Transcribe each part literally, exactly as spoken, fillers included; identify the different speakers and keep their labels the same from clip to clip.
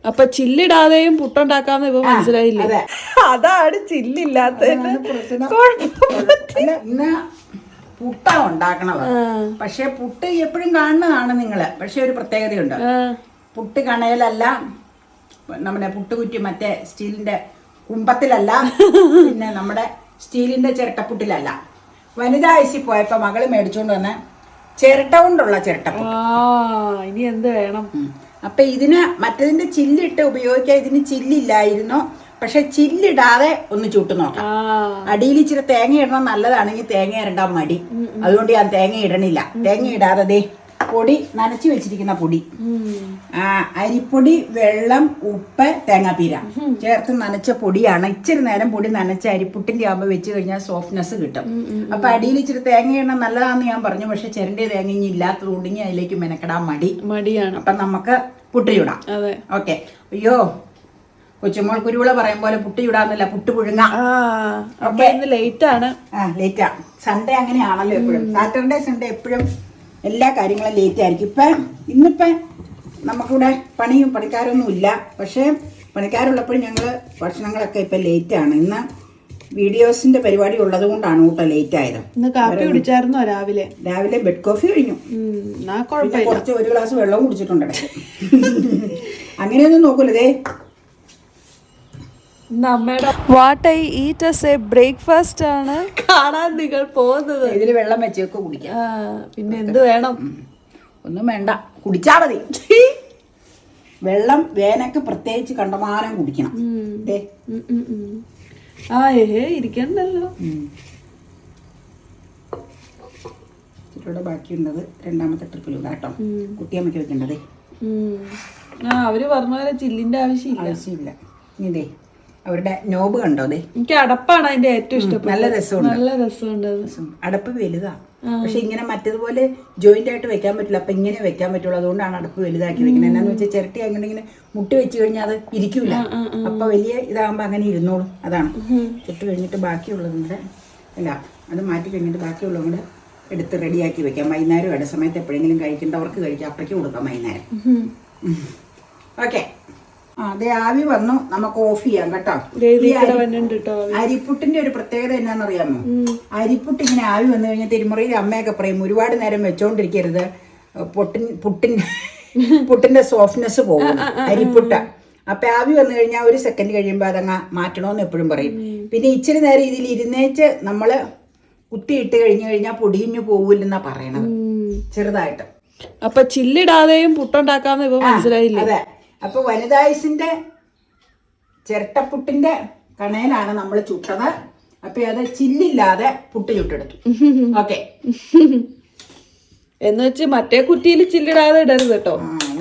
Speaker 1: അപ്പൊ ചില്ലിടാതെയും പുട്ടുണ്ടാക്കാന്ന് ഇപ്പൊ മനസ്സിലായില്ലേ? അതാണ് ചില്ലില്ലാത്ത
Speaker 2: പുട്ട ഉണ്ടാക്കണത്. പക്ഷെ പുട്ട് എപ്പോഴും കാണുന്നതാണ് നിങ്ങള്. പക്ഷെ ഒരു പ്രത്യേകതയുണ്ട്. പുട്ട് കണയിലല്ല, നമ്മുടെ പുട്ടുകുറ്റി മറ്റേ സ്റ്റീലിന്റെ കുമ്പത്തിലല്ല, പിന്നെ നമ്മുടെ സ്റ്റീലിന്റെ ചിരട്ടപ്പുട്ടിലല്ല. വനിതാ ഐസി പോയപ്പോ മകള് മേടിച്ചോണ്ട് വന്ന ചിരട്ട കൊണ്ടുള്ള ചിരട്ടപ്പുട്ട്.
Speaker 1: ഇനി എന്ത് വേണം?
Speaker 2: അപ്പൊ ഇതിന് മറ്റതിന്റെ ചില്ലിട്ട് ഉപയോഗിക്കാൻ ഇതിന് ചില്ലില്ലായിരുന്നു. പക്ഷെ ചില്ലിടാതെ ഒന്ന് ചുട്ടു നോക്കാം. അടിയിൽ ഇച്ചിരി തേങ്ങ ഇടണം, നല്ലതാണെങ്കിൽ തേങ്ങ ഇടണ്ടാൻ മടി. അതുകൊണ്ട് ഞാൻ തേങ്ങ ഇടണില്ല. തേങ്ങ ഇടാതെ ദേ പൊടി നനച്ചു വെച്ചിരിക്കുന്ന പൊടി, ആ അരിപ്പൊടി, വെള്ളം, ഉപ്പ്, തേങ്ങാപ്പീര ചേർത്ത് നനച്ച പൊടിയാണ്. ഇച്ചിരി നേരം പൊടി നനച്ച അരിപ്പുട്ടിന്റെ ആകുമ്പോൾ വെച്ച് കഴിഞ്ഞാൽ സോഫ്റ്റ്നെസ് കിട്ടും. അപ്പൊ അടിയിൽ ഇച്ചിരി തേങ്ങ ഇടണം നല്ലതാന്ന് ഞാൻ പറഞ്ഞു. പക്ഷെ ചെരണ്ടിയ തേങ്ങ ഇനി ഇല്ലാത്തതുകൊണ്ട് ഇനി അതിലേക്ക് മെനക്കെടാൻ മടി മടിയാണ്. അപ്പൊ നമുക്ക് പുട്ട് ചുടാം. ഓക്കെ. അയ്യോ, കൊച്ചുമോൾ കുരുവിള പറയും പോലെ പുട്ട് ചുടാന്നില്ല, പുട്ട് പുഴുങ്ങാം.
Speaker 1: ലേറ്റ് ആണ്.
Speaker 2: ആ ലേറ്റാ. സൺഡേ അങ്ങനെയാണല്ലോ എപ്പോഴും. സാറ്റർഡേ സൺഡേ എപ്പോഴും എല്ലാ കാര്യങ്ങളും ലേറ്റ് ആയിരിക്കും. ഇപ്പം ഇന്നിപ്പം നമുക്കിവിടെ പണിയും പണിക്കാരൊന്നും ഇല്ല. പക്ഷേ പണിക്കാരുള്ളപ്പോഴും ഞങ്ങൾ ഭക്ഷണങ്ങളൊക്കെ ഇപ്പം ലേറ്റാണ്. ഇന്ന് വീഡിയോസിന്റെ പരിപാടി ഉള്ളത് കൊണ്ടാണ് കൂട്ടോ ലേറ്റ് ആയത്.
Speaker 1: കാപ്പി കുടിച്ചായിരുന്നോ രാവിലെ?
Speaker 2: രാവിലെ ബെഡ് കോഫി കഴിഞ്ഞു. കുറച്ച് ഒരു ഗ്ലാസ് വെള്ളവും കുടിച്ചിട്ടുണ്ട് ഇടയ്ക്ക്. അങ്ങനെയൊന്നും നോക്കൂലതേ.
Speaker 1: What I eat as a breakfast ആണ് കാണാൻ നിങ്ങൾ പോകുന്നത്.
Speaker 2: ഇതിൽ വെള്ളം വെച്ചൊക്കെ കുടിക്കാം.
Speaker 1: പിന്നെ എന്ത് വേണം?
Speaker 2: ഒന്നും വേണ്ട, കുടിച്ചാ മതി. വെള്ളം വേനക്ക് പ്രത്യേകിച്ച് കണ്ടമാനം കുടിക്കണം.
Speaker 1: ആ ഏഹേ ഇരിക്കണ്ടല്ലോ.
Speaker 2: ചിലരുടെ ബാക്കിയുള്ളത് രണ്ടാമത്തെ ട്രിപ്പിലൂടെ കേട്ടോ കുട്ടിയമ്മയ്ക്ക് വെക്കേണ്ടതേ.
Speaker 1: ആ അവര് പറഞ്ഞ പോലെ ചില്ലിന്റെ ആവശ്യമില്ല
Speaker 2: ആവശ്യമില്ല. ഇതേ അവരുടെ നോബ് കണ്ടോ? അതെ,
Speaker 1: എനിക്ക് അടപ്പാണ് അതിന്റെ ഏറ്റവും ഇഷ്ടം.
Speaker 2: നല്ല രസമുണ്ട്.
Speaker 1: നല്ല രസമുണ്ട്.
Speaker 2: അടപ്പ് വലുതാ. പക്ഷെ ഇങ്ങനെ മറ്റേതുപോലെ ജോയിന്റ് ആയിട്ട് വെക്കാൻ പറ്റില്ല. അപ്പൊ ഇങ്ങനെ വെക്കാൻ പറ്റുള്ളൂ. അതുകൊണ്ടാണ് അടപ്പ് വലുതാക്കി വെക്കുന്നത്. എന്നാന്ന് വെച്ചാൽ ചിരട്ടി അങ്ങനെ ഇങ്ങനെ മുട്ടി വെച്ച് കഴിഞ്ഞാൽ അത് ഇരിക്കൂല. അപ്പൊ വലിയ ഇതാകുമ്പോ അങ്ങനെ ഇരുന്നോളും. അതാണ്. ചുട്ട് കഴിഞ്ഞിട്ട് ബാക്കിയുള്ളത് കൂടെ അല്ല, അത് മാറ്റി കഴിഞ്ഞിട്ട് ബാക്കിയുള്ളത് കൂടെ എടുത്ത് റെഡിയാക്കി വെക്കാം. വൈകുന്നേരം ഇട സമയത്ത് എപ്പോഴെങ്കിലും കഴിക്കേണ്ടവർക്ക് കഴിക്കാം. അപ്പഴേക്ക് കൊടുക്കാം വൈകുന്നേരം. ഓക്കെ. അതെ, ആവി വന്നു. നമുക്ക് ഓഫ് ചെയ്യാം കേട്ടോ. അരിപ്പുട്ടിന്റെ ഒരു പ്രത്യേകത എന്നാന്നറിയാമോ? അരിപ്പുട്ട് ഇങ്ങനെ ആവി വന്നു കഴിഞ്ഞാൽ തിരുമുറയിൽ അമ്മയൊക്കെ പറയും ഒരുപാട് നേരം വെച്ചോണ്ടിരിക്കരുത്, പൊട്ടിൻ പുട്ടിന്റെ പുട്ടിന്റെ സോഫ്റ്റ്നെസ് പോകും അരിപ്പുട്ട. അപ്പൊ ആവി വന്നു കഴിഞ്ഞാൽ ഒരു സെക്കൻഡ് കഴിയുമ്പോൾ അതങ്ങ് മാറ്റണമെന്ന് എപ്പോഴും പറയും. പിന്നെ ഇച്ചിരി നേരം ഇതിൽ ഇരുന്നേച്ച് നമ്മള് കുത്തിയിട്ട് കഴിഞ്ഞു കഴിഞ്ഞാൽ പൊടിഞ്ഞു പോകില്ലെന്നാ പറയണത്, ചെറുതായിട്ട്.
Speaker 1: അപ്പൊ ചില്ലിടാതെയും പുട്ടുണ്ടാക്കാന്ന് ഇപ്പൊ മനസ്സിലായില്ലേ?
Speaker 2: അതെ. അപ്പൊ വനിതായുസിന്റെ ചിരട്ടപ്പുട്ടിന്റെ കണയിലാണ് നമ്മൾ ചുട്ടത്. അപ്പൊ അത് ചില്ലില്ലാതെ പുട്ട് ചുട്ടെടുത്തു. ഓക്കെ.
Speaker 1: എന്ന് വെച്ച് മറ്റേ കുറ്റിയിൽ ചില്ലിടാതെ ഇടരുത് കേട്ടോ.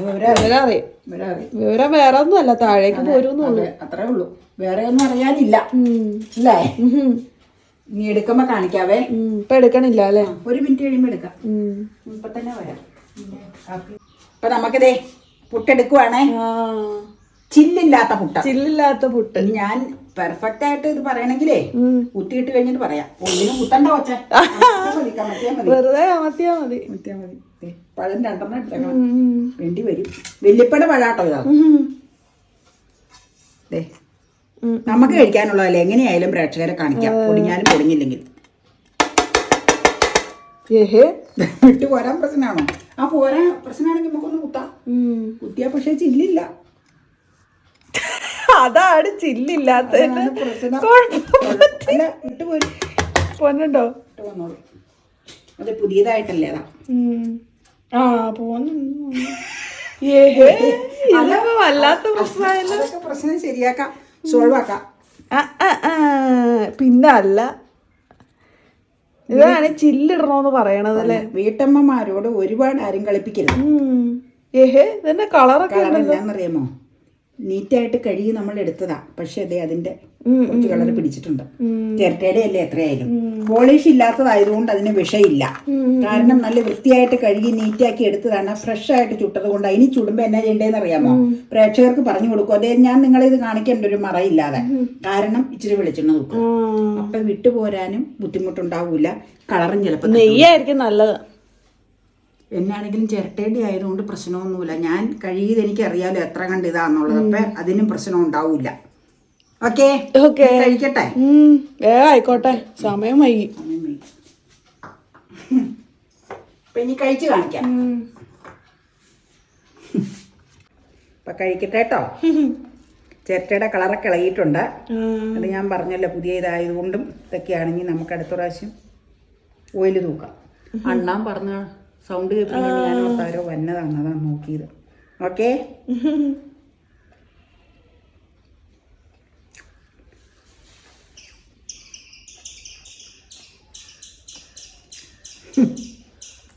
Speaker 1: വിവരം വേറെ ഒന്നും അല്ല, താഴേക്ക് പോരുന്നുള്ളൂ.
Speaker 2: അത്രേ ഉള്ളൂ, വേറെ ഒന്നും അറിയാനില്ല അല്ലേ? നീ എടുക്കുമ്പോ കാണിക്കാവേ.
Speaker 1: ഇപ്പൊ എടുക്കണില്ല അല്ലേ?
Speaker 2: ഒരു മിനിറ്റ് കഴിയുമ്പോ എടുക്കാം. ഇപ്പൊ തന്നെ വരാം. അപ്പൊ നമുക്കിതേ പുട്ടെടുക്കുവാണേ. ചില്ലില്ലാത്ത പുട്ട.
Speaker 1: ചില്ലില്ലാത്ത പുട്ട്.
Speaker 2: ഞാൻ പെർഫെക്റ്റ് ആയിട്ട് ഇത് പറയണെങ്കിലേ കുത്തിയിട്ട് കഴിഞ്ഞിട്ട് പറയാം. ഒന്നിനും കുത്തണ്ട കൊച്ച,
Speaker 1: വെറുതെ അമത്തിയാ മതി.
Speaker 2: മത്തിയാ മതി. പഴം രണ്ടെണ്ണം എടുത്തേക്കണം, വേണ്ടി വരും. വല്യപ്പയുടെ പഴാട്ടോ ഇതാ. ദേ നമുക്ക് കഴിക്കാനുള്ളതല്ലേ, എങ്ങനെയായാലും പ്രേക്ഷകരെ കാണിക്കാം. പൊടിഞ്ഞാലും പൊടിഞ്ഞില്ലെങ്കിൽ. വിട്ടു പോരാൻ പ്രശ്നമാണോ? ആ പോരാൻ പ്രശ്നമാണെങ്കിൽ നമുക്കൊന്ന് കുത്താം. കുത്തിയാ പക്ഷെ ചില്ലില്ല.
Speaker 1: അതാണ് ചില്ലില്ലാത്ത പൊന്നുണ്ടോ?
Speaker 2: വന്നോളൂ. അത് പുതിയതായിട്ടല്ലേ അതാ.
Speaker 1: ആ പോന്നു. വല്ലാത്ത പ്രശ്നം.
Speaker 2: പ്രശ്നം ശരിയാക്കാം, സോൾവ് ആക്കാം.
Speaker 1: പിന്നെ അല്ല, ഇതാണ് ചില്ലിടണോന്ന് പറയണത് അല്ലേ?
Speaker 2: വീട്ടമ്മമാരോട് ഒരുപാട് ആരും കളിപ്പിക്കരുത്.
Speaker 1: ഏഹേ ഇതെന്നെ കളറൊക്കെ
Speaker 2: കളറെന്നാന്നറിയാമോ? നീറ്റായിട്ട് കഴുകി നമ്മൾ എടുത്തതാ. പക്ഷെ അതെ അതിന്റെ കുറച്ച് കളർ പിടിച്ചിട്ടുണ്ട്. ചിരട്ടയുടെ അല്ലേ എത്രയായാലും. പോളിഷ് ഇല്ലാത്തതായതുകൊണ്ട് അതിന് വിഷയില്ല. കാരണം നല്ല വൃത്തിയായിട്ട് കഴുകി നീറ്റാക്കി എടുത്തതാണ്. ഫ്രഷ് ആയിട്ട് ചുട്ടത് കൊണ്ട്. അതിന് ചുടുമ്പോ എന്നാ ചെയ്യേണ്ടതെന്ന് അറിയാമോ? പ്രേക്ഷകർക്ക് പറഞ്ഞു കൊടുക്കും. അതേ ഞാൻ നിങ്ങളിത് കാണിക്കേണ്ട ഒരു മറയില്ലാതെ. കാരണം ഇച്ചിരി വെളിച്ചെണ്ണ നോക്കും. അപ്പൊ വിട്ടുപോരാനും ബുദ്ധിമുട്ടുണ്ടാവൂല. കളറും ചിലപ്പോൾ
Speaker 1: നെയ്യായിരിക്കും നല്ലത്.
Speaker 2: എന്നാണെങ്കിലും ചിരട്ടേണ്ടി ആയതുകൊണ്ട് പ്രശ്നമൊന്നുമില്ല. ഞാൻ കഴിയത് എനിക്കറിയാലോ എത്ര കണ്ട് ഇതാന്നുള്ളത്. അപ്പം അതിനും പ്രശ്നം ഉണ്ടാവില്ല. ഓക്കെ
Speaker 1: ഓക്കെ
Speaker 2: കഴിക്കട്ടെ.
Speaker 1: വേഗം ആയിക്കോട്ടെ, സമയം വൈകി.
Speaker 2: അപ്പം ഇനി കഴിച്ച് കാണിക്കാം. അപ്പം കഴിക്കട്ടെ കേട്ടോ. ചിരട്ടയുടെ കളറൊക്കെ ഇളകിയിട്ടുണ്ട്. അത് ഞാൻ പറഞ്ഞല്ലോ പുതിയ ഇതായതുകൊണ്ടും ഇതൊക്കെയാണെങ്കിൽ നമുക്ക് അടുത്ത പ്രാവശ്യം ഓയിൽ തൂക്കാം. അണ്ണാൻ പറഞ്ഞ സൗണ്ട് കേൾപ്പിക്കാൻ ഞാൻ ഓർത്താരോ വന്നതാണ്, അതാണ് നോക്കിയത്. ഓക്കെ